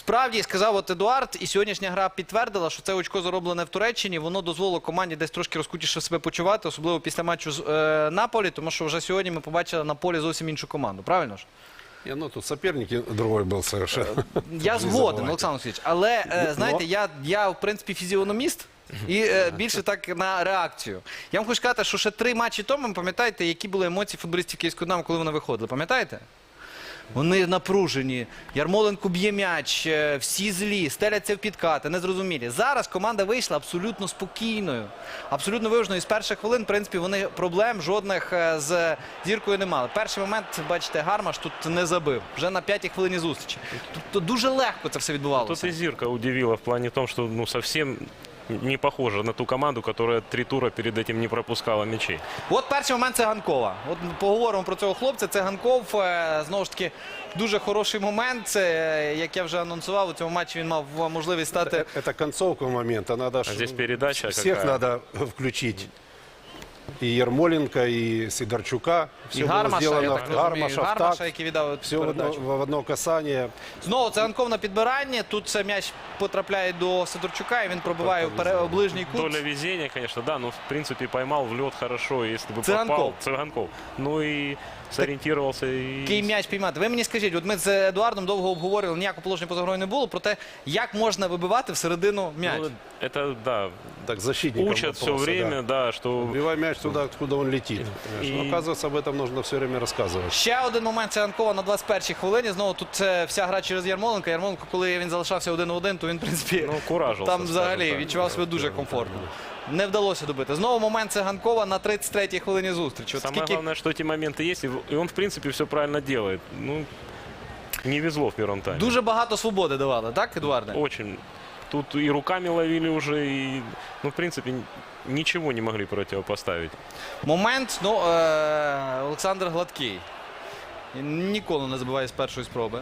Справді, сказав от Едуард, і сьогоднішня гра підтвердила, що це очко зароблене в Туреччині, воно дозволило команді десь трошки розкутіше себе почувати, особливо після матчу з Наполі, тому що вже сьогодні ми побачили на полі зовсім іншу команду, правильно ж? Ну, тут соперник другой был совершенно. Я згоден, Олександр Олексійович, але, знаєте, я, в принципі, фізіономіст, і більше так на реакцію. Я вам хочу сказати, що ще 3 матчі тому, пам'ятаєте, які були емоції футболістів Київського Динамо, коли вони виходили, пам'ятаєте? Вони напружені, Ярмоленко б'є м'яч, всі злі, стеляться в підкати, незрозумілі. Зараз команда вийшла абсолютно спокійною, абсолютно виваженою. І з перших хвилин, в принципі, вони проблем жодних з Зіркою не мали. Перший момент, бачите, Гармаш тут не забив, вже на 5-й хвилині зустрічі. Тобто дуже легко це все відбувалося. Тут и Зирка удивила в плане том, что ну, совсем не похожа на ту команду, которая 3 тура перед этим не пропускала мячей. От перший момент Циганкова. От поговоримо про цього хлопця. Циганков, знову ж таки, дуже хороший момент. Це, як я вже анонсував, у цьому матчі він мав можливість стати... Это концовка момента. Надо здесь передача всех какая? надо включить. И Ермоленко, и Сидорчука. І Все было Гармаша, я сделано. так розумію, Гармаша, в Гармаша, такт. який віддав Все передачу. в одно касание. Знову Циганков на підбиранні. Тут це м'яч потрапляє до Сидорчука, і він пробиває в ближній кут. Доля везения, конечно, да, но в принципе поймал в лед хорошо, если бы Циганков. попал. Циганков. Ну и сориентировался. Який м'яч піймати. Ви мені скажіть, от ми з Едуардом довго обговорювали, ніякого положення поза грою не було, про те, як можна вибивати всередину м'яч. Ну, это, да, Так, защитникам учат все вопросы, время, да, что... Убивай мяч туда, откуда он летит. И- Но, оказывается, об этом нужно все время рассказывать. Ще один момент Циганкова на 21-й хвилині. Знову тут вся гра через Ярмоленка. Ярмоленко, коли він залишався 1-1, то він, в принципі, Ну, куражився, там скажімо взагалі так. відчував себе дуже комфортно. Не вдалося добити. Знову момент Циганкова на 33-й хвилині зустрічі. От Самое скільки... главное, что эти моменты есть, и он, в принципе, все правильно делает. Ну, не везло в первом тайме. Дуже багато свободи давали, так, Едуарде? Очень. Тут и руками ловили уже, и, ну, в принципе, ничего не могли противопоставить. Момент, ну, Олександр Гладкий. Він ніколи не забиває з першої спроби.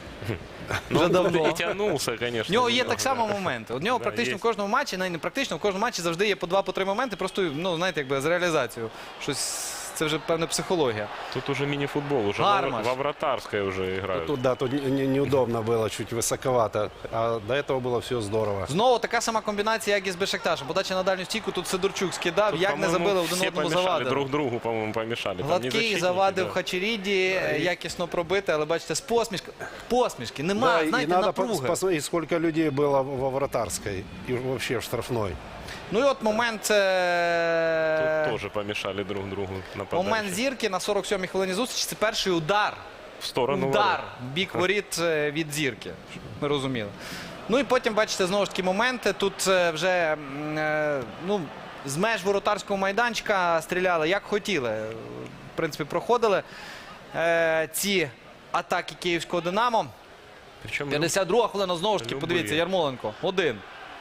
Вже давно. И тянулся, В конечно. нього є немного, так само да. моменти. У нього Да, практично є. в кожному матчі, навіть не практично, в кожному матчі завжди є по 2-3 моменти, просто, ну, знаєте, якби з реалізацією. Щось, це вже певна психологія. Тут уже мини-футбол, уже Гармаш. во вратарской уже играют. Тут, да, тут неудобно было, чуть высоковато. А до этого было все здорово. Знову така сама комбінація, як і з Бешикташем. Подача на дальню стійку, тут Сидорчук скидав, Тут, як не по-моему, забили, один все одному помешали, завадили. друг другу, по-моему, помешали. Там не Гладкий защитники, завадив да. Хачеріді, якісно пробити, але бачите, з посмішки. Нема, Да, и знаєте, надо напруги. посмотреть, сколько людей было во вратарской и вообще в штрафной. Ну і от момент, Тут тоже помешали друг другу нападать. момент Зірки на 47-й хвилині зустрічі. Це перший удар. В сторону Удар ворот. в бік воріт від Зірки. Щоб ми розуміли. Ну і потім, бачите, знову ж таки моменти. Тут вже ну, з меж воротарського майданчика стріляли, як хотіли. В принципі, проходили ці атаки київського «Динамо». Причем 52-га хвилина, знову ж таки, Любий. подивіться, Ярмоленко. Один.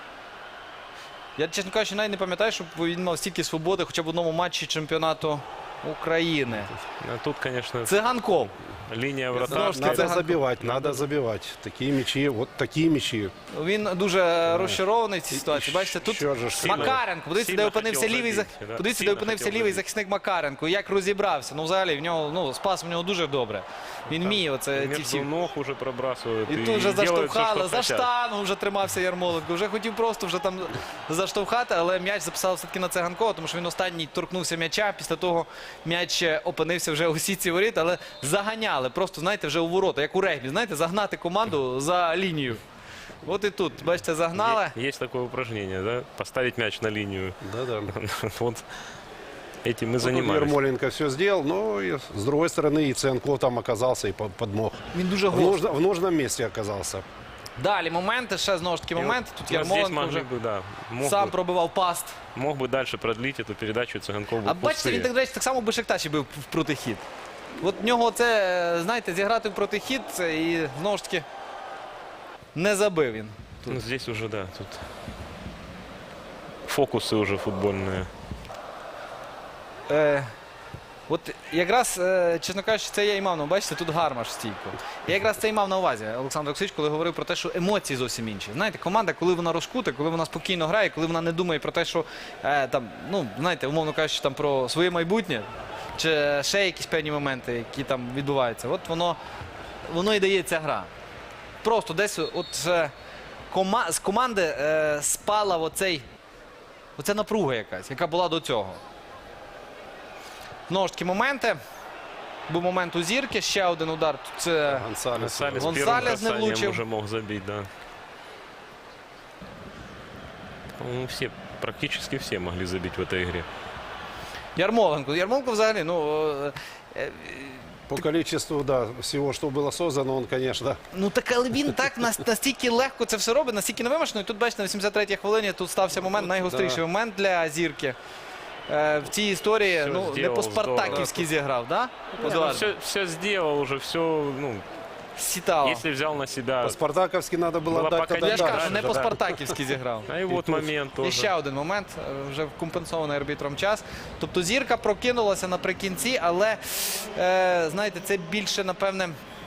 Я, чесно кажучи, навіть не пам'ятаю, щоб він мав стільки свободи хоча б в одному матчі чемпіонату України. тут, конечно, Циганков. линия Знову ж вратарская. таки, Надо забивать, надо забивать. Такие мячи, вот такие мячи. Він дуже розчарований в цій ситуації. І Бачите, тут що ж сильно- Макаренко. Подивіться, де сильно опинився хотів лівий, забити, да. подивіться, де Сильно опинився хотів лівий забити. захисник Макаренко. Як розібрався. Ну, взагалі, в нього, ну, спас в нього дуже добре. Він вміє оце ці Между всі. ног уже пробрасывают. І тут вже делают всё, заштовхали, что за хотят. штангу вже тримався Ярмоленко. Вже хотів просто вже там заштовхати, але м'яч записав все-таки на Циганкова, тому що він останній торкнувся м'яча. Після того м'яч опинився вже у сітці воріт, але заганяли. Просто, знаєте, вже у ворота, як у регбі. Знаєте, загнати команду за лінію. От і тут, бачите, загнали. Есть такое упражнение, да? Поставить мяч на линию. Да-да. Вот этим мы Тут занимались. Ермоленко все сделал, но и с другой стороны и Циганков там оказался и подмог. Він дуже В, гостро. в нужном месте оказался. Далі моменти, ще знову ж таки момент. Тут Ну, здесь Ярмоленко могли вже бы, да, сам бы, пробивав паст. мог бы дальше продлить эту передачу Циганков. А бачите, він так, до речі, так само у Бешикташі був в протихід. От в нього це, знаєте, зіграти в протихід і знову ж таки не забив він. Ну, здесь уже, да, тут фокусы уже футбольные. От якраз, чесно кажучи, це я і мав на увазі. Бачите, тут Гармаш в стійку. Я якраз це і мав на увазі, Олександр Олексійович, коли говорив про те, що емоції зовсім інші. Знаєте, команда, коли вона розкута, коли вона спокійно грає, коли вона не думає про те, що там, ну, знаєте, умовно кажучи, там про своє майбутнє, чи ще якісь певні моменти, які там відбуваються. От воно і дає ця гра. просто десь з команди спала оця напруга якась, яка була до цього. Знову ж таки моменти. Був момент у Зірки, ще один удар. Це Гонсалес. Гонсалес Гонсалес первым не касанием влучив. уже мог забить, да. По-моему, практически все могли забить в этой игре. Ярмоленко взагалі, По количеству, да, всего, что было создано, он, конечно, так, але він так настільки легко це все робить, настільки невимушено. І тут, бачите, на 83-й хвилині тут стався момент, найгостріший момент для Зірки. В цій історії, Все не зробив, по-спартаківськи зіграв, да? Все сделал уже, все, ну, Сітало. если взял на себя. по-спартаковски надо было Было отдать пока тогда Я ж дальше, кажу, не да. по-спартаківськи зіграв. А и вот момент І тоже. ще один момент, вже компенсований арбітром час. Тобто Зірка прокинулася наприкінці, але, знаєте, це більше, напевне,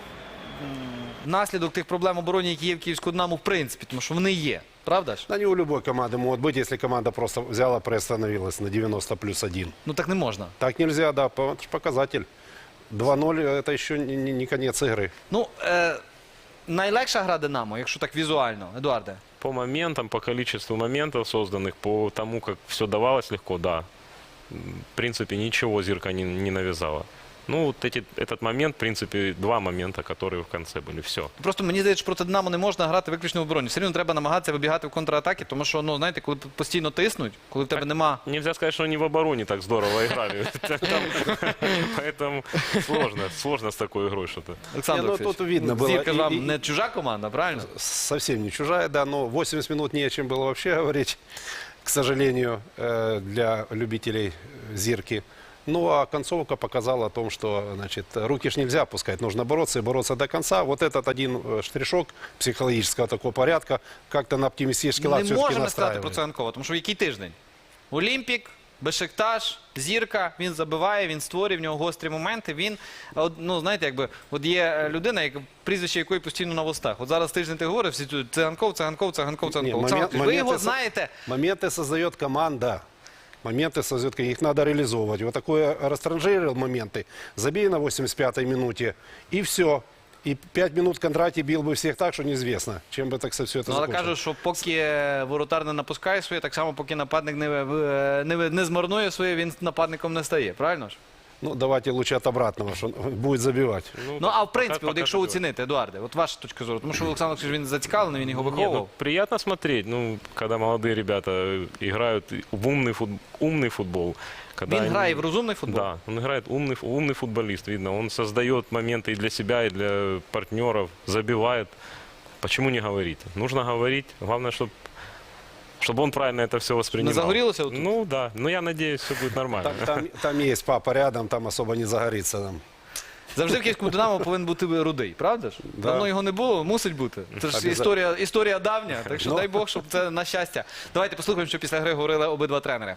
наслідок тих проблем оборони, які є в Київську Динамо, в принципі, тому що вони є. Правда ж? Да не у любой команды могут быть, если команда просто взяла, приостановилась на 90+1. Ну так не можна. Так нельзя, да, это ж показатель. 2-0 это еще не конец игры. Ну, найлегша гра Динамо, якщо так візуально, Едуарде. По моментам, по количеству моментов созданных, по тому, как все давалось легко, да. В принципе, ничего Зирка не навязала. Ну, вот этот момент, в принципе, два момента, которые в конце были. Все. Просто мені здається, що проти Динамо не можна грати виключно в обороні. Все рівно треба намагатися вибігати в контратаки, тому що, ну, знаєте, коли постійно тиснуть, коли в тебе нема... Нельзя сказать, что они в обороне так здорово играли. Поэтому сложно с такой игрой что-то. Олександр Не, ну, Олексійович, тут видно было. Зірка ж И- вам и- не чужа команда, правильно? Совсем не чужая, да, но 80 минут не о чем было вообще говорить, к сожалению, для любителей Зирки. Ну, а концовка показала о том, что, значит, руки ж нельзя опускать, нужно бороться и бороться до конца. Вот этот один штришок психологического такого порядка как-то на оптимистический лад Не все-таки можемо сказати про настраивает. це Ганкова, тому що в який тиждень? Олімпік, Бешикташ, Зірка, він забиває, він створює, в нього гострі моменти. Він, ну, знаєте, якби, от є людина, прізвище якої постійно на вустах. От зараз тиждень ти говориш, всі тут, це Ганков, це Ганков, це Ганков, це Ні, Ганков. Олександр Олексійович, ви його знаєте. Моменты создает команда. Моменты создает, их надо реализовывать. Вот такое растранжирил моменты. Забей на 85-й минуте, и все. И 5 минут Кондратий бил бы всех так, что неизвестно, чем бы так все это Ну, але закончилось. кажуть, що поки воротар не напускає своє, так само поки нападник не змарнує своє, він нападником не стає, правильно ж? Ну, давайте лучше от обратного, что он будет забивать. Ну, а в пока- принципі, от пока якщо забиває. оцінити, Едуарде, от ваша точка зору, тому що Олександр Олексійович, він зацікавлений, він його Не, виховував. ну, приятно смотреть, ну, когда молодые ребята играют в умный футбол. Когда Він они- грає в розумний футбол. Да, он играет умный футболист, видно. Он создает моменты и для себя, и для партнеров, забивает. Почему не говорить? Нужно говорить. Главное, чтобы он правильно это все воспринимал. Не загорелся вот тут? Ну да, но я надеюсь, все будет нормально. Там есть папа рядом, там особо не загорится. Там. Завжди в Київському Динамо повинен бути рудий, правда ж? Да. Давно його не було, мусить бути. Це ж історія давня, так що дай Бог, щоб це на щастя. Давайте послухаємо, що після гри говорили обидва тренери.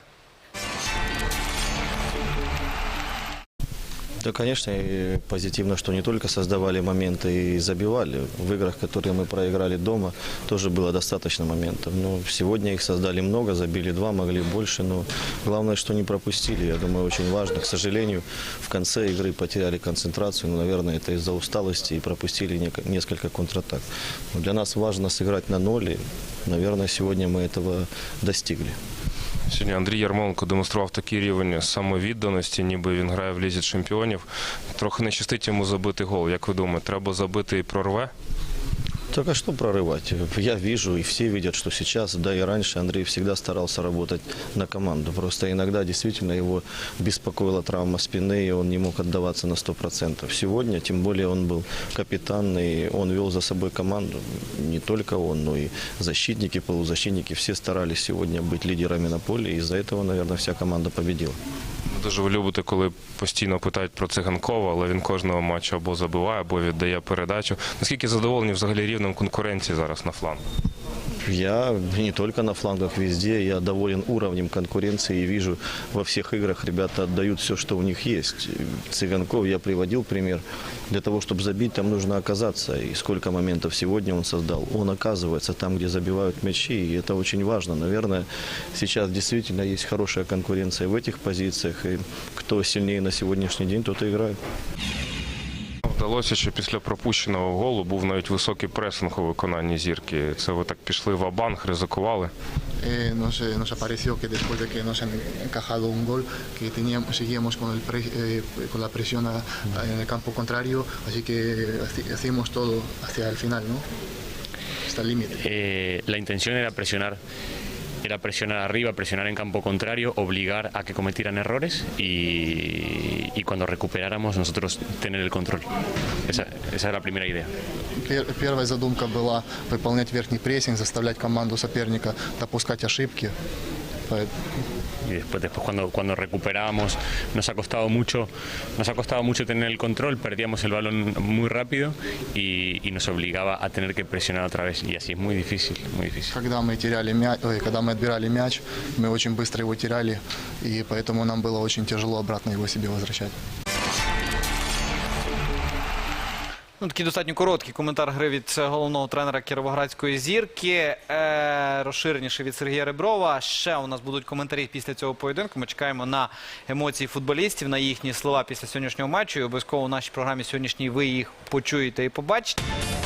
Да, конечно, и позитивно, что не только создавали моменты и забивали. В играх, которые мы проиграли дома, тоже было достаточно моментов. Но сегодня их создали много, забили 2, могли больше. Но главное, что не пропустили. Я думаю, очень важно. К сожалению, в конце игры потеряли концентрацию. Но, наверное, это из-за усталости и пропустили несколько контратак. Но для нас важно сыграть на 0. И, наверное, сегодня мы этого достигли. Сьогодні Андрій Ярмоленко демонстрував такий рівень самовідданості, ніби він грає в Лізі чемпіонів. Трохи не щастить йому забити гол. Як ви думаєте, треба забити і прорве? Так а что прорывать? Я вижу, и все видят, что сейчас, да и раньше Андрей всегда старался работать на команду. Просто иногда действительно его беспокоила травма спины, и он не мог отдаваться на 100%. Сегодня, тем более, он был капитан, и он вел за собой команду. Не только он, но и защитники, полузащитники. Все старались сегодня быть лидерами на поле, и из-за этого, наверное, вся команда победила. Дуже ви любите, коли постійно питають про Циганкова, але він кожного матчу або забиває, або віддає передачу. Наскільки задоволені взагалі рівнем конкуренції зараз на флангу? Я не только на флангах, везде. Я доволен уровнем конкуренции и вижу, во всех играх ребята отдают все, что у них есть. Цыганков я приводил пример. Для того, чтобы забить, там нужно оказаться. И сколько моментов сегодня он создал. Он оказывается там, где забивают мячи, и это очень важно. Наверное, сейчас действительно есть хорошая конкуренция в этих позициях. И кто сильнее на сегодняшний день, тот и играет. здалося, що після пропущеного голу був навіть високий пресинг у виконанні зірки. Це ви так пішли ва-банк, ризикували? Nos apareció que después de que nos han encajado un gol, que seguíamos con la presión en el campo contrario, así que hacíamos todo hacia el final, ¿no? Hasta el límite. La intención era presionar arriba, presionar en campo contrario, obligar a que cometieran errores y cuando recuperáramos nosotros tener el control. Esa era la primera idea. Первая задумка была выполнять верхний прессинг, заставлять команду соперника допускать ошибки. Y después cuando recuperábamos nos ha costado mucho tener el control, perdíamos el balón muy rápido y nos obligaba a tener que presionar otra vez, y así es muy difícil, muy difícil. Когда мы отбирали мяч, мы очень быстро его теряли, и поэтому нам было очень тяжело обратно его себе возвращать. Ну, такий достатньо короткий коментар гри від головного тренера Кіровоградської зірки. Розширеніше від Сергія Реброва. Ще у нас будуть коментарі після цього поєдинку. Ми чекаємо на емоції футболістів, на їхні слова після сьогоднішнього матчу. І обов'язково у нашій програмі сьогоднішній ви їх почуєте і побачите.